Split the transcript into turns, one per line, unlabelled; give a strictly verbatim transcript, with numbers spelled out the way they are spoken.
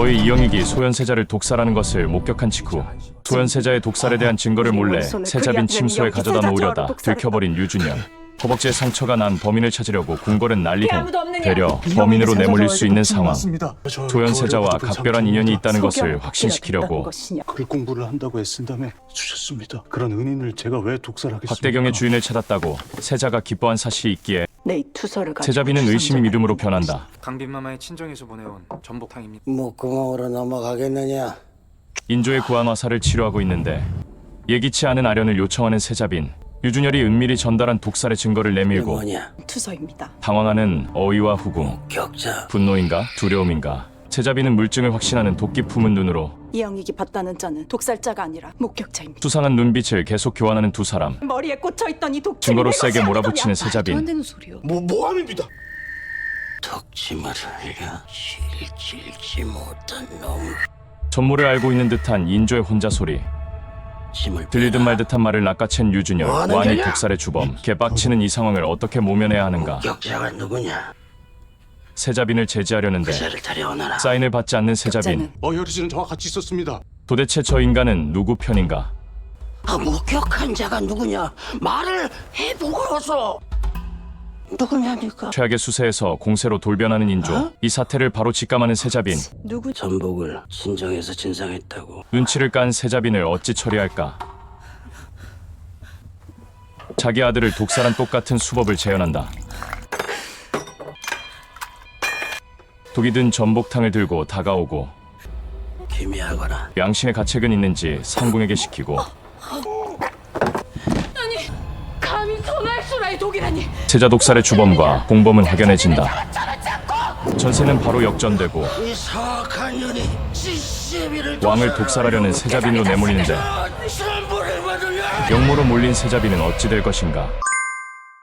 어의 이영익이 소현세자를 독살하는 것을 목격한 직후 소현세자의 독살에 대한 증거를 몰래 세자빈 침소에 가져다 놓으려다 들켜버린 유준열. 허벅지에 상처가 난 범인을 찾으려고 궁궐은 난리고 되려 범인으로 내몰릴 수 있는 상황. 소현세자와 각별한 인연이 있다는 것을 확신시키려고
글 공부를 한다고 애쓴 다음에 주셨습니다. 그런 은인을 제가 왜 독살하겠습니까?
박대경의 주인을 찾았다고 세자가 기뻐한 사실이 있기에
내 투서를 가지고
세자빈은 의심이 믿음으로 변한다.
강빈마마의 친정에서 보내온 전복탕입니다.
목구멍으로 넘어가겠느냐?
인조의 구안 화사를 치료하고 있는데 예기치 않은 아련을 요청하는 세자빈. 유준열이 은밀히 전달한 독살의 증거를 내밀고
뭐냐?
투서입니다.
당황하는 어이와 후궁.
격자.
분노인가 두려움인가. 세자빈은 물증을 확신하는 도끼 품은 눈으로
이영익이 봤다는 자는 독살자가 아니라 목격자입니다.
수상한 눈빛을 계속 교환하는 두 사람.
머리에 꽂혀있던 이 독침이
증거로
내
세게
것이
몰아붙이는
아니더냐.
세자빈.
안 되는 소리요.
뭐 모함입니다.
덕침을 흘려 실질지 못한 놈.
전모를 알고 있는 듯한 인조의 혼자 소리.
짐을
들리듯 말듯한 말을 낚아챈 유준열.
뭐하는
완이
거냐?
독살의 주범. 개빡치는 이 상황을 어떻게 모면해야 하는가.
격자가 누구냐?
세자빈을 제지하려는데
그자를 데려오너라.
사인을 받지 않는 세자빈.
격자는
어혈이 씨는 저와 같이 있었습니다.
도대체 저 인간은 누구 편인가.
아, 목격한 자가 누구냐? 말을 해보고서. 누구냐니까?
최악의 수세에서 공세로 돌변하는 인조.
어?
이 사태를 바로 직감하는 세자빈.
누구
전복을 친정에서 진상했다고.
눈치를 깐 세자빈을 어찌 처리할까. 자기 아들을 독살한 똑같은 수법을 재현한다. 독이 든 전복탕을 들고 다가오고
기미하거라.
양심의 가책은 있는지 상궁에게 시키고
감히 소날수라의 독이라니.
세자 독살의 주범과 공범은 확연해진다. 전세는 바로 역전되고
이 사악한 년이 지시비를
왕을 독살하려는 세자빈으로 내몰리는데
선물을 받으려.
역모로 몰린 세자빈은 어찌 될 것인가.